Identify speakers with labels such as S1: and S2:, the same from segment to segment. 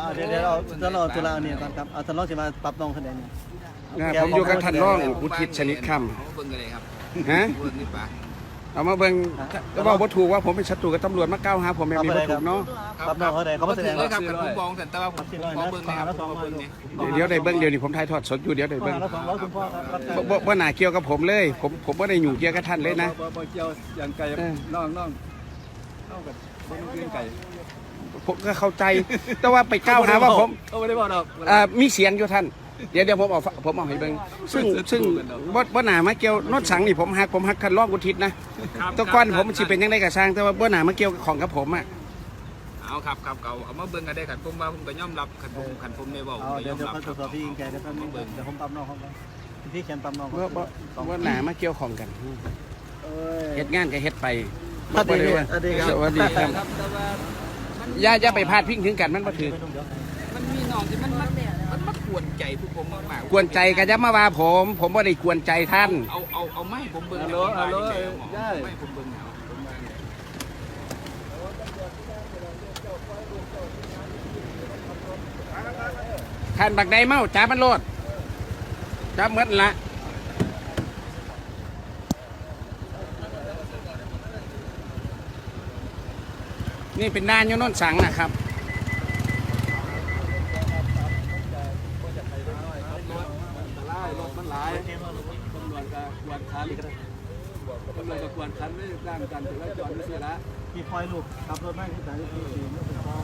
S1: เดี๋ยวเราตุลาเนี่ยก่อนครับเอาท่านรองจะมาปรับน้องคะแนนเนี่ย
S2: ผมอยู่กับท่านรองอุทิศชนิดคำ
S3: เบิ่งกันเลยครับ
S2: ฮะ
S3: เบิ่งนี่ป่ะ
S2: เอามาเบิ่งก็บอกว่าถูกว่าผมเป็นศัตรูกับตำรวจมาก้าวหาผมแบบนี้บ่ถูกเนาะ
S1: ปรับน้องเขาได้เขามาแสดง
S3: เลยครับผมมองแต่ว่าผมขอเบิ่งนะครับผมเบิ่งเนี่ย
S2: เดี๋ยวได้เบิ่งเดี๋ยวนี้ผมถ่ายทอดสดอยู่เดี๋ยวได้เบิ่ง
S1: แล้ว200คุณพ่อครับ
S2: บ่น่าเกี่ยวกับผมเลยผมบ่ได้อยู่เกี่ยวกับท่านเลยนะ
S4: บ่เกี่ยวอย่างไก่น้องกับบ่มีเรื่องไก่
S2: ผมก็เข้าใจแต่ว่าไปก้าวหาว่าผม
S4: เขาไม่ได้บอกดอก
S2: มีเสียงอยู่ท่านเดี๋ยวผมเอาให้เบิ่งซึ่งบ่น่ามาเกี่ยวนอดสังนี่ผมฮักท่านรองอุทิศนะแตะก้อนผมสิเป็นยังไงก็สร้างแต่ว่าบ่น่ามาเกี่ยวของกับผมอ่ะ
S3: เอาครับเอามาเบิ่งกันได้กันผมว่าผมก็ยอมรับขันผมได้บอกผมก็
S1: เดี๋
S3: ย
S1: ยว
S3: อมรับ
S1: เขาตรวจสอบพี่ยิงแกเดี๋ยวผมปรับน้องเขาไปพี่แคนปรับน้อง
S2: บ่น่ามาเกี่ยวของกันเฮ็ดงานก็เฮ็ดไป
S1: สวัสดีครับ
S2: สวัสดีครับอย่าไปพาดพิงถึงกันมันบ่ถือ
S3: มันมีน้องที่มันมากวนใจพวกผมมากๆ
S2: กวนใจก็จะมาว่าผมบ่ได้กวนใจท่าน
S3: เอาไม้ผมเบิ่ง
S4: ฮัลโหลย่า
S3: ไม้ผมเบิ่งเอา
S2: ท่านบักใดเมาจับมันโลดจับหมดละนี่เป็นด้านยนนสังนะครับ
S4: รถมันหลายตำรวจก็กวนคันไม่ร่างกันถือว่าจอดไม่เสียละ
S1: พี่พลอยลูกขับรถนั่งที่ไหนที่สี่ไม่เป็นพ่อ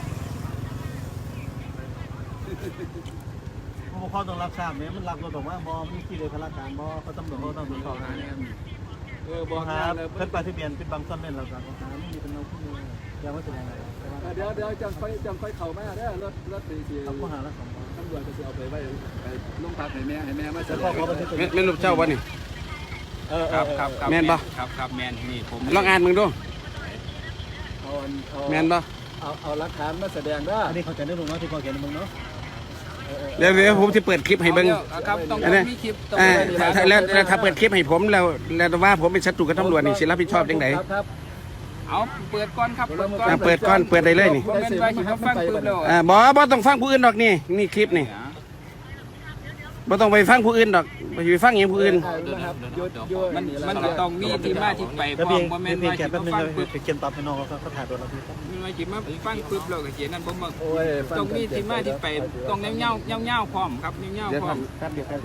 S1: ผู้ปกครองต้องรับทราบเนี่ยมันรับรถบอกว่าบอมีที่เลยพนักงานบอเขาตำรวจเขาต้องตรวจสอบนะ
S4: บอก
S1: ค
S4: งา
S1: รั
S4: น
S1: บ
S4: เลย
S1: เพิ่นปฏิเบียนเป็นบางส่วนเป็นเราครับไม่มีเป็นเราผู้เดียวยังไม่แสดงอะไร
S4: เดี๋ยวจังค่อยเข้ามาได้รถตี
S1: เขาผู้หาละ200
S4: ตำรวจก็จะเอาไปไว้ไปลงพักให้แม่มาแส
S1: แล้ว
S4: ด
S1: ก็
S4: ง
S1: ขอบันทึก
S2: แม่นลูกเจ้าวะนี่
S3: ครับ
S2: แม่นบ่
S3: ครับแมนนี่ผม
S2: ลองอ่านมึงดู
S4: เอา
S2: แม่นบ่
S4: เอาหลักฐานมาแสดงได้
S1: อันนี้เขาจะได้ลงเนาะที่พอเขียนมึงเนาะ
S2: เดี๋ยวผมจะเปิดคลิปให้เบิ่ง
S3: ครับต้องมีคลิปต้อง
S2: แล้วถ้าเปิดคลิปให้ผมแล้วว่าผมเป็นศัตรูกับตำรวจนี่สิรับผิดชอบจังได
S4: ครับ
S3: เอาเปิดก่อนครับ
S2: เปิดก่อนเปิดได้เลยนี่
S3: ผมเป็นว่าสิฟังปึ๊บแล้ว
S2: บ่ต้องฟังผู้อื่นดอกนี่คลิปนี่บ่ต้องไปฟังผู้อื่นดอกไปฟังอย่างผู้อื่น
S3: มันก็ต้องมีที่มาที่ไป
S1: แล้ว
S3: พร้อ
S1: เพีย
S3: ม
S1: ง
S3: บ่แม่น
S1: เพีย
S3: ว่าง
S1: แก
S3: สิ
S1: แป๊บนึง
S3: ฟังปึ๊บ
S1: เขียนปรับให้น้องเขาถ่ายตัวเราพี่
S3: มันว่าสิมาฟังปึ๊บแล้วก็เขียนนั่นผมต้องมีที่มาที่ไปต้องแนวเงาพร้อมครับแนว
S2: เดี๋ยว
S3: พร้อม
S2: แป๊บเดียวครับ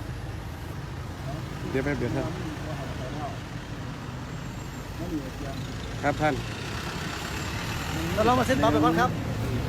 S2: ครับท่าน
S1: แล้วเรามาเซ็นปรับไปก่อนครับ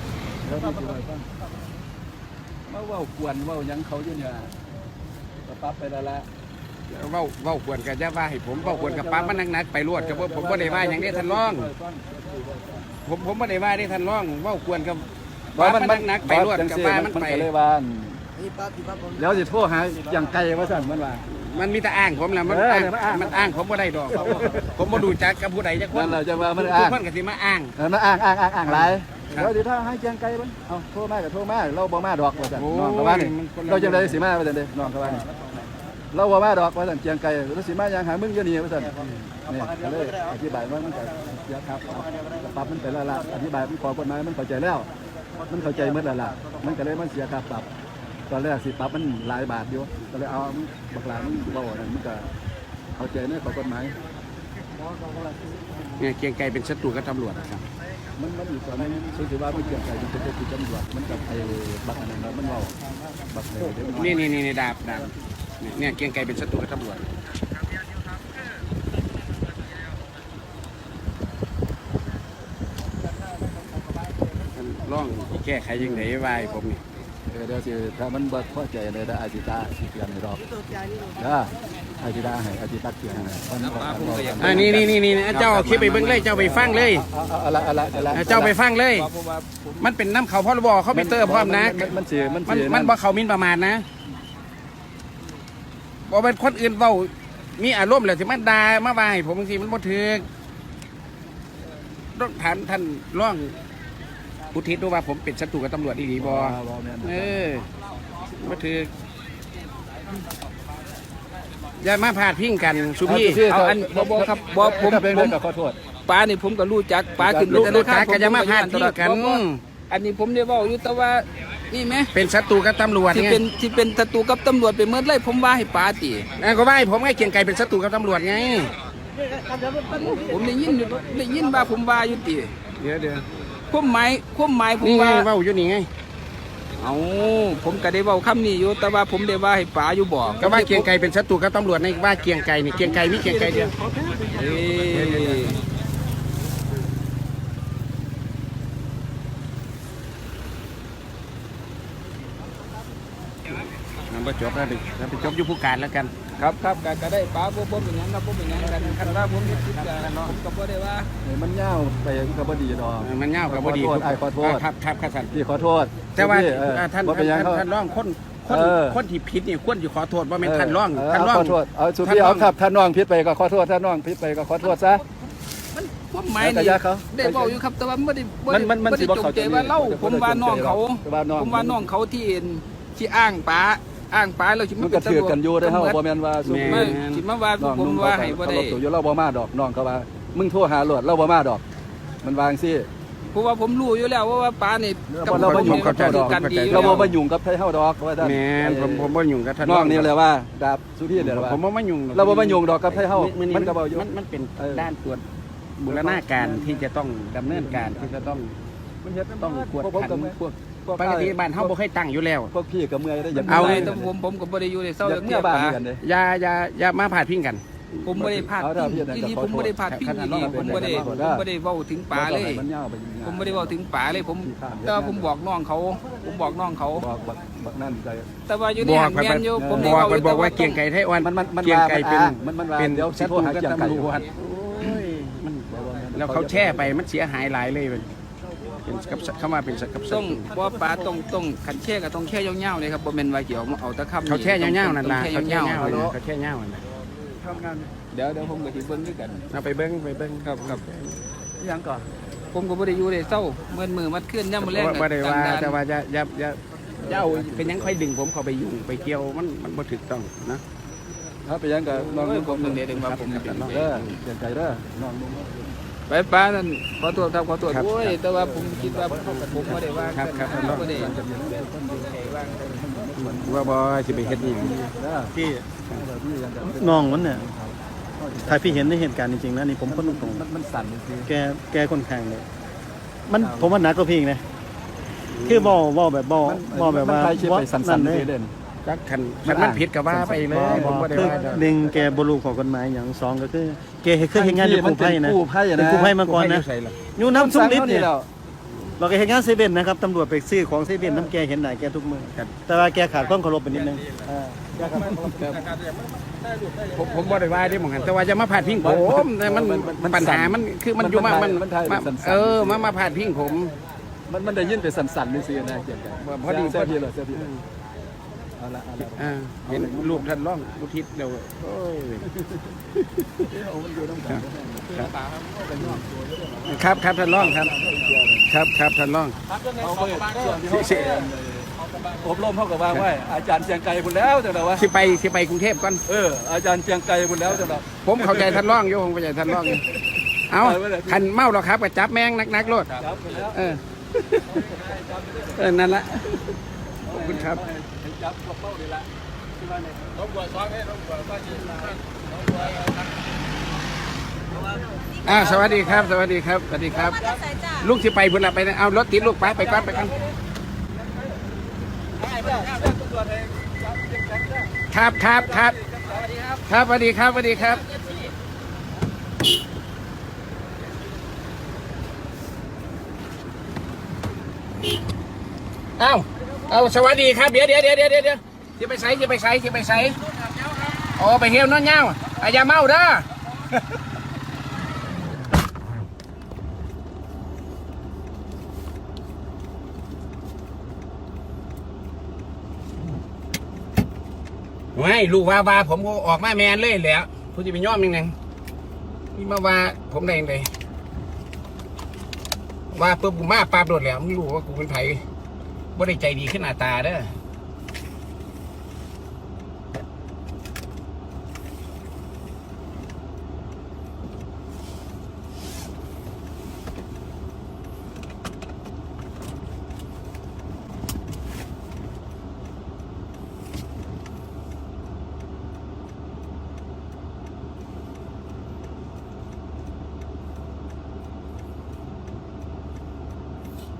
S4: มาว่ากวนว่ายังเขาอยู่เนี่ยปั๊บไปแล้วละ
S2: เว้าควรกับย่าว่าให้ผมเว้าควรกับป้ามันนักๆไปรวดกับผมบ่ได้ว่าอย่างนี้ท่านรองผมบ่ได้ว่าได้ท่านรองเว้าควรกับป้ามันนักๆไปรวดกับป้ามันไป
S4: เลยว่าแล้วจะโทษหาอย่างไกลว่าสั่นมันว่า
S2: มันมีแต่อ้างผมแหละมันอ้างผมบ่ได้ดอกผมบ่ดูจักกับผู้ใดจักคน
S4: นั่นเราจะว่ามัน
S2: ทุ
S4: อ้าก ง
S2: คนก็สิมาอ้าง
S4: มันอ้างไรแล้วเดี๋ยวถ้าให้แจ้งไกลมันเอาโทษมากกับโทษมากเราบ่มาดอกว่าสั่นน้องกับว่านี่เราจะได้สิมาว่าสั่นเด้น้องกับว่านี่เราบ่มาดอกว่าสั่นแจ้งไกลเราสิมายังหามึงอยู่นี่ว่าสั่นนี่ก็เลยอธิบายว่ามันก็เยอะครับปรับมันไปแล้วล่ะอธิบายมันขอกฎหมายมันเข้าใจแล้วมันเข้าใจหมดแล้วล่ะมันก็เลยมันเสียค่าปรับตอนแรกสิปรับมันหลายบาทอยู่ก็เลยเอาบักหลามันเบานั่นมันก็เข้าใจในข้อกฎหมาย
S2: เนี่ยเกียงไกรเป็นศัตรูกับตำรวจครับ
S4: มันอยู่ตอนนี้ถือว่ามันเกี่ยวกับเป็นตัวที่ตำรวจมันกับไอ้บักอันนั้นมันเบาบักเลยเดี๋ยว
S2: นี่ดาบเนี่ยเกียงไกรเป็นศัตรูกับตำรวจร่องแก้ไขยังไงวายผมนี่
S4: เดี๋ยวสิถ้ามันบ่พอใจเลยได้อาจิตาสิเปลี่ยนดอกอาจิตาให้อาจิตาเปลี่ยนมัน
S2: นี่เจ้าคลิปไปเบิ่งเลยเจ้าไปฟังเลย
S4: เอา
S2: เจ้าไปฟังเลย มันเป็นน้ำเขาพรบเขาไปเตอร์พร้อมนะ มันบ่เขามินประมาณนะบ่เป็นคนอื่นเว้ามีอารมณ์แล้วสิมันด่ามาว่าให้ผมบางทีมันบ่ถูกต้องถามท่านร่องอุทิศดูว่าผมเป็นศัตรูกับตำรวจดีบ่บ่ถูกอย่ามาพาดพิงกันสุพี่
S3: เอาอันบ่ครับบ่ผม
S4: เป็นเรื่องกับขอโทษ
S3: ป้านี่ผมก็รู้จักป้าขึ้น
S2: รู้จักก็จะมาพาดพิงกัน
S3: อันนี้ผมได้เว้าอยู่แต่ว่านี่แหม
S2: เป็นศัตรูกับตำรวจ
S3: ที่
S2: ไง
S3: เป็นศัตรูกับตำรวจไปเมื่อไรผมว่าให้ปาติ
S2: ก็ว่าให้ผมให้เกียงไก่เป็นศัตรูกับตำรวจไง
S3: ผมได้ยินว่าผมว่าอยู่ติ
S2: เดี๋ยว
S3: ความหมายผม
S2: นี่ไง
S3: ว่า
S2: เว้าอยู่นี่ไง
S3: เอาผมก็ได้เว้าคำนี้อยู่แต่ว่าผมได้ว่าให้ปาอยู่บ่
S2: ก็ว่าเกียงไก่เป็นศัตรูกับตำรวจในว่าเกียงไก่นี่เกียงไก่มีเกียงไก่เดียว
S3: เอ้ย
S2: มันบ่จบแล้วดิเราไปจบอยู่ผู้การแล้วกัน
S3: ครับก็ได้ปาบ่เป็นหยังครับบ่เป็นหยังกันคันว่าผมเฮ็ดผิดก็บ่ได้ว่า
S4: มันยาวไปก็บ่ดีดอก
S2: มันเงากับบ่ดี
S4: ขอโทษ
S2: ครับท่าน
S4: พี่ขอโทษ
S2: แต่ว่า
S4: พี่
S2: ท่าน
S4: บ่เป็นหยังเขา
S2: ท่านร้องคนที่ผิดนี่ควรจะขอโทษว่าเป็นท่านร้อง
S4: ขอโทษเอาสุพี่เอาครับท่านน้องผิดไปก็ขอโทษท่านน้องผิดไปก็ขอโทษซะ
S3: มันความหมาย
S4: แต่
S3: นี่
S4: ยาเขา
S3: ได้เว้าอยู่ครับแต่ว่าบ่ได้
S4: มันสิบ่
S3: จง
S4: เข้า
S3: ใจ
S4: ใจ
S3: ว่าเล่า
S4: มัน
S3: ผมว่าน้องเขา
S4: ว่าน้อง
S3: ผมว่าน้องเขาที่อ้างป๋าแล้วสิ
S4: มันก็ถือกันอยู่ได้เฮาบ่แม่นว่าสุ
S3: ไม่สิมาว่า
S4: น้อง
S3: ผม
S4: นุ่ง
S3: ว่า
S4: เขา
S3: ให้บ่ได้
S4: ลบตัวอยู่เราบ่มาดอกน้องเขาว่ามึงโทรหาโลดเราบ่มาดอก มันวางสิ
S3: เพราะว่าผมรู้อยู่แล้วว่าป๋านี่
S4: เราบ่ยุ่งกับ
S3: เจ้า
S4: เจ้าดอก
S3: กันดีอยู่
S4: เรา
S3: แล้ว
S4: บ่มายุ่งกับไทเฮาดอกว่าท่าน
S2: แม่นผมบ่ยุ่งกับท่าน
S4: น้องนี่แหละว่าดาบสุพี่เนี่ยแหละว่า
S2: ผมบ่มายุ่ง
S4: เราบ่มายุ่งดอกกับไทเฮามันก็บ่ยุ่ง
S2: มันเป็นด้านตรวจบูรณาการที่จะต้องดำเนินการที่จะต้อง
S4: มันเฮ็ด
S2: ต้องกวด
S4: พวก
S2: ขัน
S4: พวก
S2: ปกติบ้านเฮาบ่เคยตั้งอยู่แล้ว
S4: พวกพี่กับเมื่อยได้อย่าง
S2: เอา
S3: แต่ผมก็บ่ได้อยู่ในเศร้า
S4: อยาก
S3: เมื่
S4: เมื่
S3: อ
S4: อบ้าน
S3: ป๋า
S4: กันเด้
S2: อย่ามาพาดพิงกัน
S3: ผมบ่ได้พลาด
S4: เอาถ้าพี่
S3: ที่นี่
S4: ขอ
S3: ผม
S4: โทษ
S3: บ่ได้พลาดพิงที่นี่ผมบ่ได้เว้าถึงป๋าเลย
S4: มันยาวไป
S3: ผมไม่ได้บอกถึงป๋าเลยผมแต่ว่าผมบอกน้องเขา
S4: บอกนั่นใจ
S3: แต่ว่าอยู่ใน
S2: บอก
S3: หันแมนอยู่ผมได้
S2: บอกว่าเกียงไก่ไทยอ่อน
S4: มัน
S2: เกียงไก่เป็น
S4: มัน
S2: เป็น
S4: เดี๋ยวสิ
S2: ศั
S4: โท
S2: ต
S4: ร
S2: รู
S4: หา
S2: กับ
S4: เกียงไก่
S2: ตำรวจโอ้ยมันแล้วเขาแช่ไปมันเสียหายหลายเลยเป็นกับเข้ามาเป็นกับศั
S3: ต้อง
S2: ตรู
S3: ว่าป๋าต้องขันแช่ก็ต้องแช่ยาวๆเลยครับบ่แม่นว่าเกี่ยวเอาตะค่ำ
S2: เขาแช่ยาวๆนั่นล่ะ
S3: แช่
S2: เขาแช่
S3: ยาวย
S2: าวๆเขาแช่ยาวนั่นล่ะ
S4: ทำงาน
S3: ๆเดี๋ยวผมก็สิเบิ่งด้วยกัน
S2: เอาไปเบิ้ง
S3: ครับ
S4: ยังก่อน
S3: ผมก็บ่ได้อยู่ในเศร้าเมื่อมือมัดขึ้นย่ำมื้อแรก
S2: ว่าได้ว่าแต่ว่าอย่าเอาเป็นยังค่อยดึงผมเข้าไปยุ่งไปเกี่ยวมันบ่ถูกต้องนะ
S4: ถ้าไปยังกับน้องนุ่ง
S3: ผมนึงเด้ว่าผม
S4: เด้อเกียงไก่เด้อน้องนุ่ง
S3: ไปป๋านั่นขอโทษครับขอโทษโอ้ยแต่ว่าผมคิดว่าผมบ่ได้ว่าบ่ได้
S2: ว่าบ่สิไปเฮ็ดนี่
S5: พี่
S4: พี่ยังกับ
S5: น้องมันเนี่ยถ้าพี่เห็นในเหตุการณ์จริงๆนะนี่ผมพูดตรง
S4: มันสั่นจริง
S5: ๆแกค่อนข้างเลยมันผมว่าหนักกว่าพี่อีกนะคือบ่แบบบ่แบบว่า
S4: ใครเชื่อไปสั่นๆเด่น
S2: จักคันมันผิดก็ว่าไปเลยผมบ่ได้
S5: คือ
S2: ว่า
S5: หนึ่งแกบ่รู้ข้อกฎหมายอย่างสองก็คือแกเคยเฮ็ดงานอยู่กู้ภัยนะ
S4: กู้ภัย
S5: เป็น
S4: นะ
S5: กู้ภัยมาก่อนนะ
S2: ใส่ล่ะ
S5: อยู่น้ำซุปลิฟต์เนี่ย
S4: แล้ว
S5: เราก็เฮ็ดงานเซเว่นนะครับตำรวจไปซื้อของเซเว่นน้ำแกเห็นหน้าแกทุกมื้อแต่ว่าแกขาดความเคารพไปนิดนึง
S2: ผมบ่ได้ว่าได้หมองหันแต่ว่าจะมาพาดพิงผมแต่มันปัญหามันคือมันอยู่มามันมาพาดพิงผม
S4: มันได้ยินไปสั่นๆนี่สินะเกียงไก่
S2: พอดี
S4: เสื้อพี่เหรอเสื้อพี่เอาละ
S2: เห็นรูปท่านร้องอุทิศเดี๋ยวโอ้ยครับท่านร้องครับท่านร้อง
S4: เอาไปอบรมเท่ากับว่าไว้อาจารย์เชียงไกลบุญแล้วจังหวะว่า
S2: สิไปกรุงเทพก่อน
S4: อาจารย์เชียงไกลบุญแล้วจังหวะ
S2: ผมเข้าใจท่านร้องอยู่ผมเข้าใจท่านร้องอยู่เอาคันเมาหรอครับก็จับแมงนักโลดนั่นละขอบคุณครับสวัสดีครับลูกที่ไปพุ่นละไปเอารถติดลูกไปก่อนครับสวัสดีครับเอาสวัสดีครับเดี๋ยวจะไปใส่โอ้ไปเฮี้ยวนอนเงาอย่าเมาเด้อไม่ลูกว่าผมออกมาแมนเลยแหละผมจะไปย้อมยังไงนี่มาว่าผมได้ยังไงว่าปุ๊บกูมาปราบโดดแล้วมึงรู้ว่ากูเป็นไผ่บ่ได้ใจดีขึ้นหน้าตาเด้อ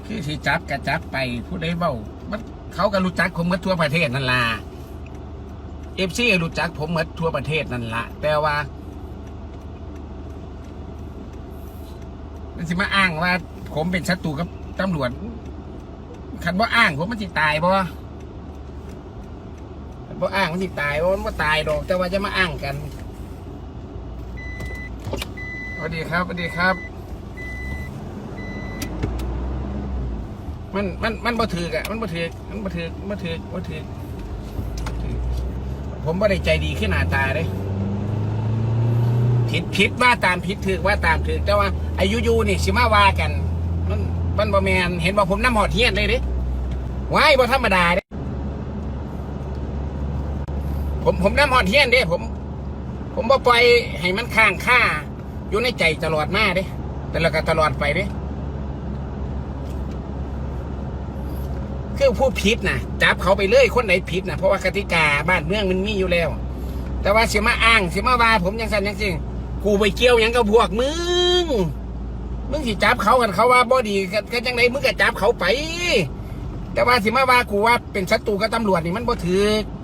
S2: คือสิจับกระจับไปผู้ใดเบ้ามันเขาก็รู้จักผมหมดทั่วประเทศนั่นล่ะFC รู้จักผมหมดทั่วประเทศนั่นล่ะแต่ว่ามันสิมาอ้างว่าผมเป็นศัตรูกับตำรวจคันว่าอ้างผมมันสิตายบ่อ้างมันสิตายมันว่าตายดอกแต่ว่าจะมาอ้างกันสวัสดีครับสวัสดีครับมันบ่ถือกอะมันบ่ถือกผมบ่ได้ใจดีขึ้นหน้าตาเลยผิดว่าตามผิดถือว่าตามถือแต่ว่าอายุนี่สิมาว่ากันมันบ่แมนเห็นว่าผมน้ำหอดเทียนเลยดิว้ายบ่ธรรมดาเด้ผมน้ำหอดเทียนเด้ผมบ่ปล่อยให้มันค้างค่าอยู่ในใจตลอดมาเด้แต่ละก็ตลอดไปเด้คือผู้ผิดนะจับเขาไปเลยคนไหนผิดนะเพราะว่ากติกาบ้านเมืองมันมีอยู่แล้วแต่ว่าเสียมาอ้างเสียมาว่าผมยังสั่นยังจริงกูไปเกี่ยวยังกับพวกมึงสิจับเขากันเขาว่าบ่ดีกันจังไหนมึงก็จับเขาไปแต่ว่าสิมาว่ากูว่าเป็นศัตรูกับตำรวจนี่มันบ่ถือ